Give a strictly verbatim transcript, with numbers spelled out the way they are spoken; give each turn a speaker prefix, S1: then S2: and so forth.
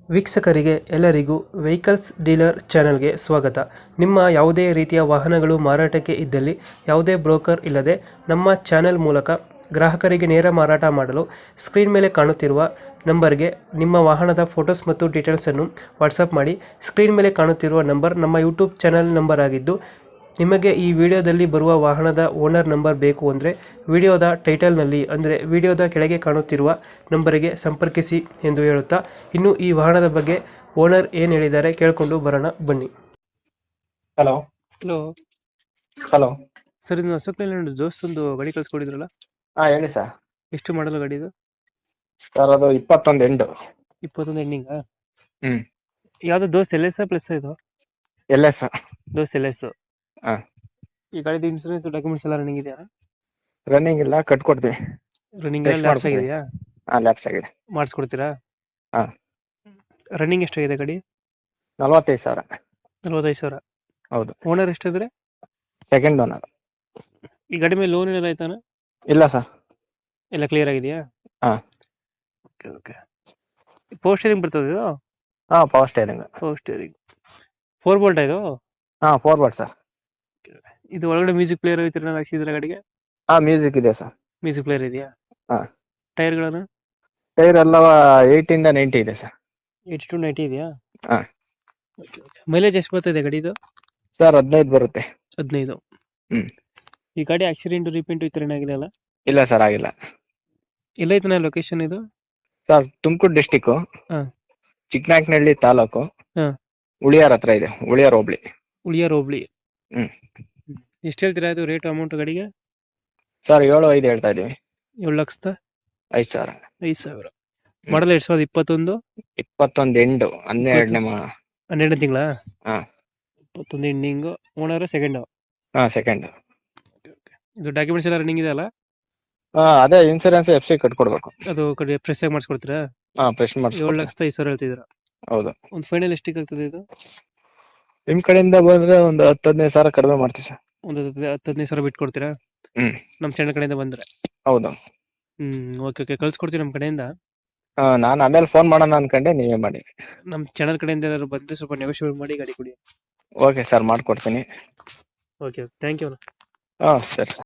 S1: ವೀಕ್ಷಕರಿಗೆ ಎಲ್ಲರಿಗೂ vehicles dealer ಚಾನೆಲ್ಗೆ ಸ್ವಾಗತ. ನಿಮ್ಮ ಯಾವುದೇ ರೀತಿಯ ವಾಹನಗಳು ಮಾರಾಟಕ್ಕೆ ಇದ್ದಲ್ಲಿ ಯಾವುದೇ ಬ್ರೋಕರ್ ಇಲ್ಲದೆ ನಮ್ಮ ಚಾನೆಲ್ ಮೂಲಕ ಗ್ರಾಹಕರಿಗೆ ನೇರ ಮಾರಾಟ ಮಾಡಲು ಸ್ಕ್ರೀನ್ ಮೇಲೆ ಕಾಣುತ್ತಿರುವ ನಂಬರ್ಗೆ ನಿಮ್ಮ ವಾಹನದ ಫೋಟೋಸ್ ಮತ್ತು ಡೀಟೇಲ್ಸನ್ನು ವಾಟ್ಸಪ್ ಮಾಡಿ. ಸ್ಕ್ರೀನ್ ಮೇಲೆ ಕಾಣುತ್ತಿರುವ ನಂಬರ್ ನಮ್ಮ ಯೂಟ್ಯೂಬ್ ಚಾನೆಲ್ ನಂಬರ್ ಆಗಿದ್ದು, ನಿಮಗೆ ಈ ವಿಡಿಯೋದಲ್ಲಿ ಬರುವ ವಾಹನದ ಓನರ್ ನಂಬರ್ ಬೇಕು ಅಂದರೆ ವಿಡಿಯೋದ ಟೈಟಲ್ನಲ್ಲಿ ಅಂದರೆ ವಿಡಿಯೋದ ಕೆಳಗೆ ಕಾಣುತ್ತಿರುವ ನಂಬರಿಗೆ ಸಂಪರ್ಕಿಸಿ ಎಂದು ಹೇಳುತ್ತಾ, ಇನ್ನು ಈ ವಾಹನದ ಬಗ್ಗೆ ಓನರ್ ಏನು ಹೇಳಿದ್ದಾರೆ ಕೇಳಿಕೊಂಡು ಬರೋಣ ಬನ್ನಿ.
S2: ಹಲೋ
S1: ಹಲೋ
S2: ಹಲೋ
S1: ಸರ್, ಇದು ಅಶೋಕ್ ಲೇಲ್ಯಾಂಡ್ ದೋಸ್ತ್ ಒಂದು ಗಾಡಿ ಕಳ್ಸ್ಕೊಡಿದ್ರಲ್ಲ,
S2: ಹಾ ಹೇಳಿ ಸರ್.
S1: ಎಷ್ಟು ಮಾಡಲು ಗಾಡಿ ಇದು?
S2: ಸರ್ ಅದು ಇಪ್ಪತ್ತೊಂದು ಎಂಟು.
S1: ಇಪ್ಪತ್ತೊಂದು ಎಂಡಿಂಗಾ?
S2: ಹ್ಮ್
S1: ಯಾವ್ದು ದೋಸ್ತ್ ಎಲ್ ಎಸ್ ಪ್ಲಸ್ ಇದು?
S2: ಎಲ್ಲ ಸರ್.
S1: ದೋಸ್ತ್ ಎಲ್ ಎಸ್.
S2: ಹಾ
S1: ಈ ಗಾಡಿದ ಇನ್ಸೂರೆನ್ಸ್ ಡಾಕ್ಯುಮೆಂಟ್ಸ್ ಎಲ್ಲ ರನ್ನಿಂಗ್ ಇದೆಯಾ?
S2: ರನ್ನಿಂಗ್ ಇಲ್ಲ, ಕಟ್ಕೊಡ್ತೀವಿ.
S1: ರನ್ನಿಂಗ್
S2: Fresh
S1: ಲ್ಯಾಪ್ಸ್
S2: ಮಾಡ್ಸ್ಕೊಡಿ.
S1: ಆಗಿದೆಯಾ?
S2: ಹಾ ಲ್ಯಾಪ್ಸ್ ಆಗಿದೆ.
S1: ಮಾಡಿಸ್ಕೊಡ್ತೀರಾ?
S2: ಹಾ
S1: ರನ್ನಿಂಗ್ ಎಷ್ಟಾಗಿದೆ ಗಾಡಿ?
S2: ನಲವತ್ತೈದು ಸಾವಿರ.
S1: ನಲವತ್ತೈದು ಸಾವಿರ.
S2: ಹೌದು.
S1: ಓನರ್ ಎಷ್ಟಿದ್ರೆ?
S2: Second owner.
S1: ಈ ಗಾಡಿ ಮೇಲೆ ಲೋನ್ ಏನಾರ ಆಯ್ತಾನ?
S2: ಇಲ್ಲ ಸರ್.
S1: ಎಲ್ಲ ಕ್ಲಿಯರ್ ಆಗಿದೆಯಾ?
S2: ಹಾ
S1: ಓಕೆ ಓಕೆ. ಪವರ್ ಸ್ಟೇರಿಂಗ್ ಬರ್ತದೆ ಇದು?
S2: ಹಾ power steering.
S1: Power steering four bolt ಇದು?
S2: ಹಾ ಫಾರ್ವರ್ಡ್ ಸರ್.
S1: ಇದು ಒಳಗಡೆ ಮ್ಯೂಸಿಕ್ ಪ್ಲೇಯರ್ ಐತಿ ಹಾಕ್ಸಿದ್ರೆ ಗಾಡಿಗೆ?
S2: ಹಾ ಮ್ಯೂಸಿಕ್ ಇದೆ ಸರ್.
S1: ಮ್ಯೂಸಿಕ್ ಪ್ಲೇಯರ್ ಇದೆಯಾ?
S2: ಹಾ.
S1: ಟೈರ್ಗಳನ್ನು?
S2: ಟೈರ್ ಎಲ್ಲ ಏಯ್ಟಿ ಇಂದ ನೈಂಟಿ ಇದೆ ಸರ್.
S1: ಏಯ್ಟಿ ಟು ನೈಂಟಿ ಇದೆಯಾ?
S2: ಹಾ.
S1: ಮೈಲೇಜ್ ಎಷ್ಟು ಬರ್ತಿದೆ ಗಾಡಿದು?
S2: ಸರ್ ಹದಿನೈದು ಬರುತ್ತೆ.
S1: ಹದಿನೈದು.
S2: ಹ್ಮ್.
S1: ಈ ಗಾಡಿ ಆಕ್ಸಿಡೆಂಟ್ ರಿಪೇಂಟ್ ಈ ತರ ಏನಾಗಿದೆ ಅಲ್ಲ?
S2: ಇಲ್ಲ ಸರ್, ಆಗಿಲ್ಲ.
S1: ಎಲ್ಲೈತನ ಲೊಕೇಶನ್ ಇದು?
S2: ಸರ್ ತುಮಕೂರು ಡಿಸ್ಟಿಕ್,
S1: ಹಾ.
S2: ಚಿಕ್ಕನಾಯಕನಹಳ್ಳಿ ತಾಲೂಕು,
S1: ಹಾ.
S2: ಉಳಿಯಾರ್ ಹತ್ರ ಇದೆ. ಉಳಿಯಾರ್ ಹೋಬ್ಳಿ.
S1: ಉಳಿಯಾರ್ ಹೋಬ್ಳಿ.
S2: ಹ್ಮ್.
S1: ಎಷ್ಟು ಹೇಳ್ತೀರಾ ಇದು ರೇಟ್ ಅಮೌಂಟ್ ಗಾಡಿಗೆ?
S2: ಸರ್ ಏಳು ಐದು ಹೇಳ್ತಾ ಇದೀವಿ.
S1: ಏಳು ಲಕ್ಷದ
S2: ಐದು ಸಾವಿರ.
S1: ಐದು ಸಾವಿರ. ಮಾಡಲ್ ಎರಡ್ ಸಾವಿರದ ಇಪ್ಪತ್ತೊಂದು?
S2: ಇಪ್ಪತ್ತೊಂದು ಎಂಟು, ಹನ್ನೆರಡನೇ ಮಾ
S1: ಹನ್ನೆರಡು ತಿಂಗಳ?
S2: ಹಾ.
S1: ಇಪ್ಪತ್ತೊಂದು ಎಂಡಿಂಗ್. Owner second?
S2: ಹಾ ಸೆಕೆಂಡ್.
S1: ಇದು ಡಾಕ್ಯುಮೆಂಟ್ಸ್ ಎಲ್ಲ ರನ್ನಿಂಗ್ ಇದೆ ಅಲ್ಲ?
S2: ಹಾ ಅದೇ ಇನ್ಸೂರೆನ್ಸ್ ಎಫ್ ಸಿ ಕಟ್ಕೊಡ್ಬೇಕು.
S1: ಅದು ಕಡೆ ಫ್ರೆಶ್ ಆಗಿ ಮಾಡಿಸ್ಕೊಡ್ತೀರಾ?
S2: ಹಾ ಫ್ರೆಶ್
S1: ಏಳು
S2: ಮಾಡಿಸ್ಕೊಡ್ತೀವಿ.
S1: ಲಕ್ಷದ ಐದು ಸಾವಿರ ಹೇಳ್ತಿದ್ದೀರಾ?
S2: ಹೌದು.
S1: ಒಂದು ಫೈನಲ್ ಎಷ್ಟಿಗೆ ಆಗ್ತದೆ ಇದು?
S2: ನಿಮ್ ಕಡೆಯಿಂದ ಬಂದ್ರೆ ಒಂದು ಹತ್ತು ಹದಿನೈದು ಸಾವಿರ ಕಡಿಮೆ ಮಾಡ್ತೀವಿ ಸರ್.
S1: ಒಂದು ಹತ್ತು ಹದಿನೈದು ಸಾವಿರ ಬಿಟ್ಟು ಕೊಡ್ತೀರಾ?
S2: ಹ್ಮ್.
S1: ನಮ್ಮ ಚಾನಲ್ ಕಡೆಯಿಂದ ಬಂದ್ರೆ?
S2: ಹೌದು.
S1: ಹ್ಮ್ ಓಕೆ ಓಕೆ, ಕಳ್ಸ್ಕೊಡ್ತೀವಿ ನಮ್ಮ ಕಡೆಯಿಂದ.
S2: ಹಾ ನಾನು ಆಮೇಲೆ ಫೋನ್ ಮಾಡೋಣ ಅನ್ಕೊಂಡೆ, ನೀವೇ ಮಾಡಿ.
S1: ನಮ್ಮ ಚಾನಲ್ ಕಡೆಯಿಂದ ಏನಾದ್ರು ಬಂದ್ರೆ ಸ್ವಲ್ಪ ನೆಗೋಷಿಯೇಟ್ ಮಾಡಿ ಗಾಡಿ ಕೊಡಿ.
S2: ಓಕೆ ಸರ್, ಮಾಡ್ಕೊಡ್ತೀನಿ.
S1: Okay, thank you.
S2: ಹಾ ಸರಿ.